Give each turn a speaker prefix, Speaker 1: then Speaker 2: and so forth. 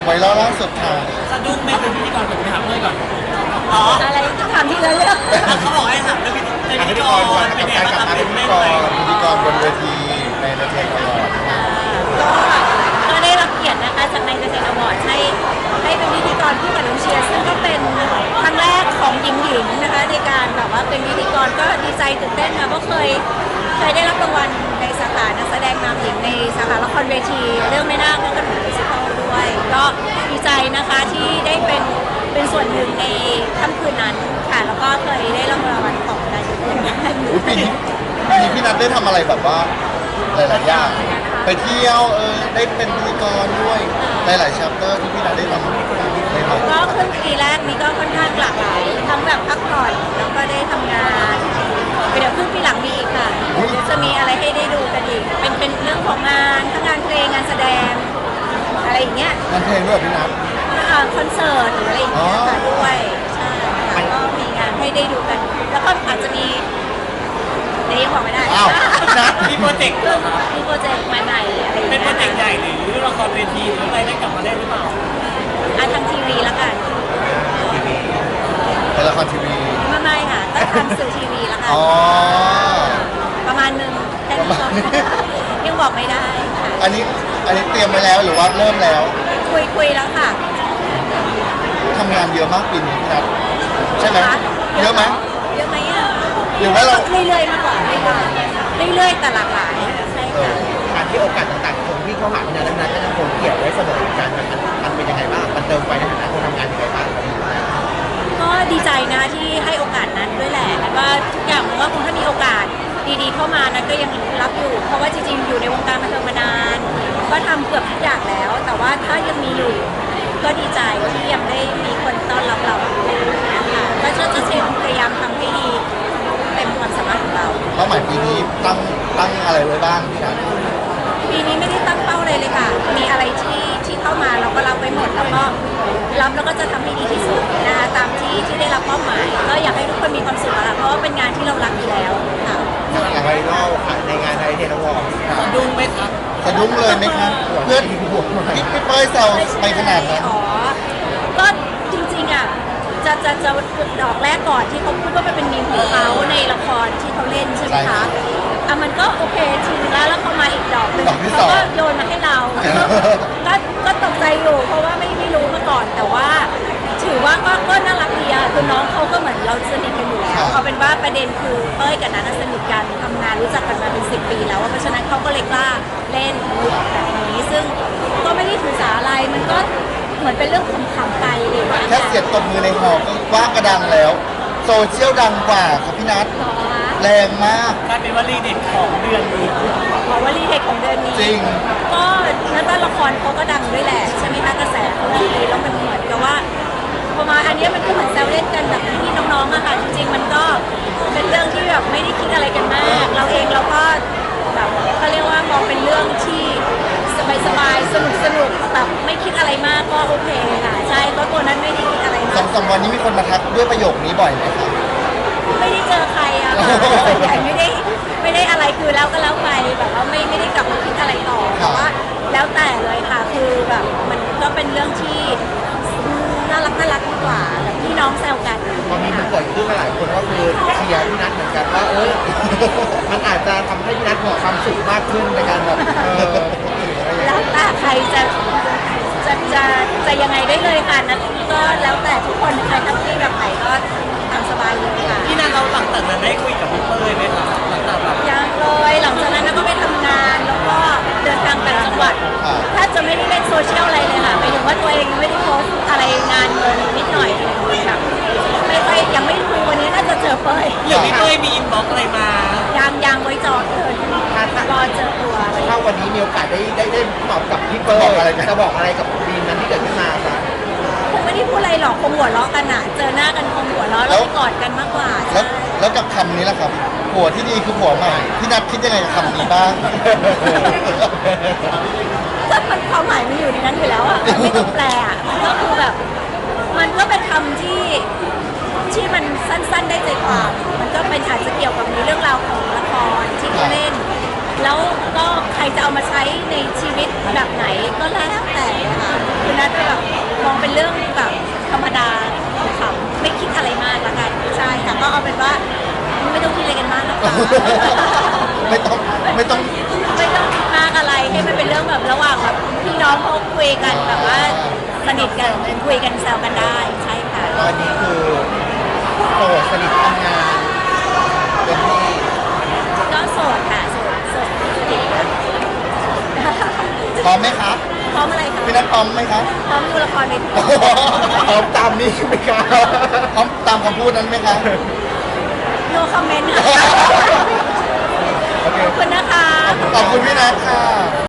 Speaker 1: ไวรัลล่าสุดค่ะ
Speaker 2: สะดุ้งไม่เป็นพิธีกรผมไปถามเพื่อนก่อนอ๋อ
Speaker 3: อะไรถามทีละเรื่อง
Speaker 2: เขาบอกให้ถามเรื่องพิธีกรเป็นไงบ้างครับเป็นแม่ไหม
Speaker 1: พิธีกรบนเวทีในเดอะเทนอวอร์ด
Speaker 3: ก็ได้รับเกียรตินะคะจากในเดอะเทนอวอร์ดให้เป็นพิธีกรคู่กับน้องเชียร์ซึ่งก็เป็นครั้งแรกของหญิงนะคะในการแบบว่าเป็นพิธีกรก็ดีใจตื่นเต้นค่ะเพราะเคยได้รับรางวัลในสาขานักแสดงนำหญิงในสาขาละครเวทีเรื่องแม่นาคและกระหนูมิวสิคัลด้วยก็ดีใจนะคะที่ได้เป็นส่วนหนึ่งในค่ำคืนนั้นค่ะแล้วก็เคยได้รางวัลของนายกเหมือนกัน
Speaker 1: ปีนี้พี่นัทได้ทำอะไรแบบว่าหลายๆอย่างไปเที่ยวได้เป็นพิธีกรด้วยหลายๆชัปเตอร์ที่พี่นัทได้ทำ
Speaker 3: ก็ครึ่งปีแรกนี้ก็ค่อนข้างหลากหลายทั้งแบบพักผ่อนแล้วก็ได้ทำงานเดี๋ยวครึ่งปีหลังมีอีกค่ะจะมีอะไรให้ได้ดูกันอีกเป็นเรื่องของงานทั้งงานเพลงงานแสดงอะไรอย่างเงี้ย
Speaker 1: งานเพลงด้วยพี่นัท
Speaker 3: คอนเสิร์ตหรืออะไรอย่างเงี้ยค่ะด้วยใช่ค่ะก็มีงานให้ได้ดูกันแล้วก็อาจจะมีเดี๋ยวยังบอกไม่ได้
Speaker 2: มีโปรเจกต์
Speaker 3: มีโปรเจกต์ใหม่ๆอะไร
Speaker 2: เป็นโปรเจกต์ใหญ่หรือละครเวทีหรืออะไรได้กลับมาได้หรือเปล่า
Speaker 3: ทางทีวีแล้วกัน
Speaker 1: เป็นละครทีวี
Speaker 3: ไม่ค่ะก็ทำสื่อทีวีแล้วกันประมาณนึงแค่นี้ยังบอกไม่ได้ค่ะ
Speaker 1: อันนี้เตรียมไว้แล้วหรือว่าเริ่มแล้ว
Speaker 3: คุยแล้วค่ะ
Speaker 1: ทำงานเยอะมากปีนี้พี่นัทใช่ไหมเยอะไหม
Speaker 3: เยอะไหมอ่ะ
Speaker 1: หรือว่าเรา
Speaker 3: เรื่อยๆมากกว่าเรื่อยๆแต่หลากหลายใช่ค่ะ
Speaker 4: การที่โอกาสต่างๆคนที่เข้าหาพี่นัทและนัทก็ยังคงเกี่ยวไว้เสมอกันมันเป็นยังไงบ้างมันเติมไฟในฐานะคนทำงานยังไงบ้าง
Speaker 3: ก็ดีใจนะที่ให้โอกาสนั้นด้วยแหละแล้วก็ทุกอย่างมันก็คงถ้ามีโอกาสดีๆเข้ามานั้นก็ยังรับอยู่เพราะว่าจริงๆอยู่ในวงการบันเทิงมานานก็ทำเกือบทุกอย่างแล้วแต่ว่าถ้ายังมีอยู่ก็ดีใจที่ยังได้มีคนต้อนรับเราค่ะก็จะพยายามทำให้ดีเต็มความสามารถของเรา
Speaker 1: เป้าหมายปีนี้ตั้งอะไรไว้บ้างพี่นัท
Speaker 3: ปีนี้ไม่ได้ตั้งเป้าเลยค่ะมีอะไรที่เข้ามาเราก็รับไว้หมดแล้วก็รับแล้วก็จะทำให้ดีที่สุดนะคะตามที่ได้รับเป้าหมายก็อยากให้ทุกคนมีความสุขค่ะเพราะว่าเป็นงานที่เรารักอยู่แล้วค่ะ
Speaker 4: ไวรัลค่ะในงานไทยเทนวอร์
Speaker 2: สะดุ้งไหมครับ
Speaker 1: สะดุ้งเลยไหมครับเพื่อนพี่เป้ยแซวไปขนาดนั้น
Speaker 3: ก็จริงๆอ่ะจะดอกแรกก่อนที่เขาพูดว่าเป็นมีมของเขาในละครที่เขาเล่นใช่ไหมคะมันก็โอเคทีนึงแล้วพอมาอีกดอกนึงเขาก็โยนมาให้เราก็ตกใจอยู่เพราะว่าไม่รู้มาก่อนแต่ว่าถือว่าก็น่ารักดีอะคือน้องเขาก็เหมือนเราสนิทกันอยู่แล้วเอาเป็นว่าประเด็นคือเป้ยกับนัทสนิทกันทำงานรู้จักกันมาเป็น10 ปีแล้วเพราะฉะนั้นเขาก็เลยกล้าเล่นแบบนี้ซึ่งก็ไม่ได้ถือสาอะไรมันก็เหมือนเป็นเรื่องขำๆไปเลย
Speaker 1: แค่เสียงตบมือในหอก็ว่ากระดังแล้วโซเชียลดังกว่าครับพี่นัทแรงมาก
Speaker 2: กลายเป็นวลีเด็ดของเดือนนี้
Speaker 3: วลีเด็ดของเดือนนี้
Speaker 1: จริง
Speaker 3: ก็นัทว่าละครเขาก็ดังด้วยแหละใช่ไหมคะกระแสเขาดีแล้วมันเหมือนกับว่าพอมาอันนี้มันก็เหมือนแซวเล่นกันแบบพี่น้องๆอะค่ะจริงๆมันก็เป็นเรื่องที่แบบไม่ได้คิดอะไรกันมากเราเองเราก็แบบเขาเรียกว่ามองเป็นเรื่องที่สบายๆสนุกแบบไม่คิดอะไรมากก็โอเคค่ะใช่ก็ตัวนั้นไม่ได้คิดอะไรมาก
Speaker 1: สองวันนี้มีคนมาทักด้วยประโยคนี้บ่อยไหมคะ
Speaker 3: ไม่ได้เจอใครอะค่ะส่วนใหญ่ไม่ได้อะไรคือแล้วก็แล้วไปแบบว่าไม่ได้กลับมาคิดอะไรต่อแต่ว่าแล้วแต่เลยค่ะคือแบบมันก็เป็นเรื่องที่น่ารักดีกว่าแบบพี่น้องแซวกัน
Speaker 4: ตอนนี้มันเกิดขึ้นมาหลายคนก็คือเชียร์พี่นัทเหมือนกันว่ามันอาจจะทำให้พี่นัทมีความสุขมากขึ้นในการแบบ
Speaker 3: แล้วแต่ใครจะยังไงได้เลยค่ะนั้นก็แล้วแต่ทุกคนใครทำที่แบบไหนก็ทำสบายเลยค่ะ
Speaker 2: พี่นัทเราหลังจากนั้นได้คุยกับพี่เป้ยไหมคะหลังจากแบบ
Speaker 3: ยังเลยหลังจากนั้นก็ไปทำงานแล้วก็เดินทางต่างจังหวัดถ้าจะไม่ได้เล่นโซเชียลอะไรเลยค่ะหมายถึงว่าตัวเองไม่ได้โพสอะไรงานเงินนิดหน่อยแบบไม่ยังไม่คุยวันนี้น่าจะเจอเป้ย
Speaker 2: หรือพี่เป้ยมีอินบ็อกอะไรมา
Speaker 3: ยังไว้จอดเลยรอเจอตัว
Speaker 4: ถ้าวันนี้มีโอกาสได้ตอบกับพี่เป้ยจะบอกอะไรกับดีมนั้นที่เกิดขึ้นมาคะ
Speaker 3: คงไม่ได้พูดอะไรหรอกคงหัวเราะกันอะเจอหน้ากันคงหัวเราะแล้วกอดกันมากกว่า
Speaker 1: แล้วกับคำนี้ล่ะครับผัวที่ดีคือผัวใหม่พี่นัทคิดยังไงกับคำนี้บ้าง
Speaker 3: ก็มันความหมายมันอยู่ในนั้นอยู่แล้วอะไม่ต้องแปลอะก็คือแบบมันก็เป็นคำที่มันสั้นๆได้ใจความมันก็เป็นอาจจะเกี่ยวกับในเรื่องราวของละครที่เขาเล่นแล้วก็ใครจะเอามาใช้ในชีวิตแบบไหนก็แล้วแต่ค่ะคือนัดจะแบบมองเป็นเรื่องแบบธรรมดาค่ะไม่คิดอะไรมากละกันใช่ค่ะก็เอาเป็นว่าไม่ต้องคิดอะไรกันมากนะคะ
Speaker 1: ไม่ต้อง
Speaker 3: ไม่ต้องคิดมากอะไรให้มันเป็นเรื่องแบบระหว่างแบบพี่น้องเขาคุยกันแบบว่าสนิทกันคุยกันแซวกันได้ใช่ค่ะ
Speaker 4: ตอนนี้คือโสดสนิททำงานเป็นที่
Speaker 3: ก็โสดค่ะโสดสนิท
Speaker 1: พร้อมไหมคะ
Speaker 3: พร้อมอะไรคะ
Speaker 1: พี่นัทพร้อมไหมคะ
Speaker 3: พร้อมดูละครใน
Speaker 4: พร้อมตามนี้ไหมครับ
Speaker 1: พร้อมตามคำพูดนั้นไหมคะ
Speaker 3: โนคอมเมนต์ค่ะ
Speaker 4: โอเค
Speaker 3: ขอบคุณนะคะ
Speaker 1: ขอบคุณพี่นัทค่ะ